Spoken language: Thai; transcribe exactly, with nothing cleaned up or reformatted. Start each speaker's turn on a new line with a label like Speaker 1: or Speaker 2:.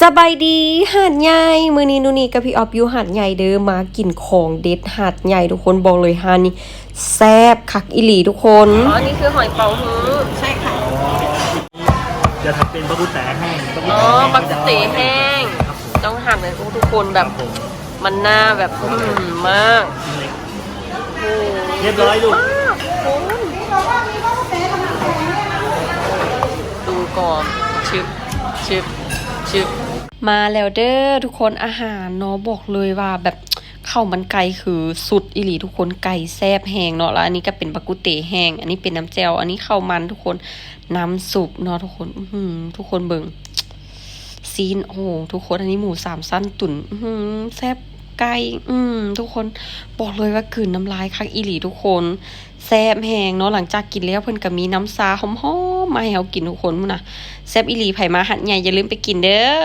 Speaker 1: บายดีหาดใหญ่มื้อนี้นูนี่กับพี่ออฟอยู่หาดใหญ่เด้อมากินของเด็ดหาดใหญ่ทุกคนบอกเลยหาดนี้แซ่บคักอีหลีทุกคนอ๋อนี่คือหอยเป๋าฮื้อใช่ค่ะ
Speaker 2: จะทำเป็นบะกุแตแห้ง
Speaker 1: อ๋อบักกุเตแห้งต้องหั่นเลยทุกคนแบบมันหน้าแบบอืมมาก
Speaker 2: เรียบร้อยลูก
Speaker 1: ดูก่อนชึบชึบชึบมาแล้วเด้อทุกคนอาหารเนาะบอกเลยว่าแบบข้าวมันไก่คือสุดอีหลีทุกคนไก่แซ่บแห้งเนาะแล้วอันนี้ก็เป็นบักกุเตแห้งอันนี้เป็นน้ำแจ่วอันนี้ข้าวมันทุกคนน้ำซุปเนาะทุกคนอือทุกคนเบิ่งซีนโอ้ทุกคนอันนี้หมูสามสั้นตุ๋นอือแซ่บไก่อืมทุกคนบอกเลยว่ากลืนน้ำลายคักอีหลีทุกคนแซ่บแห้งเนาะหลังจากกินแล้วเพิ่นก็มีน้ำซาหอมๆมาให้เฮากินทุกคนพุ่นน่ะแซ่บอีหลีไผมาหัดใหญ่อย่าลืมไปกินเด้อ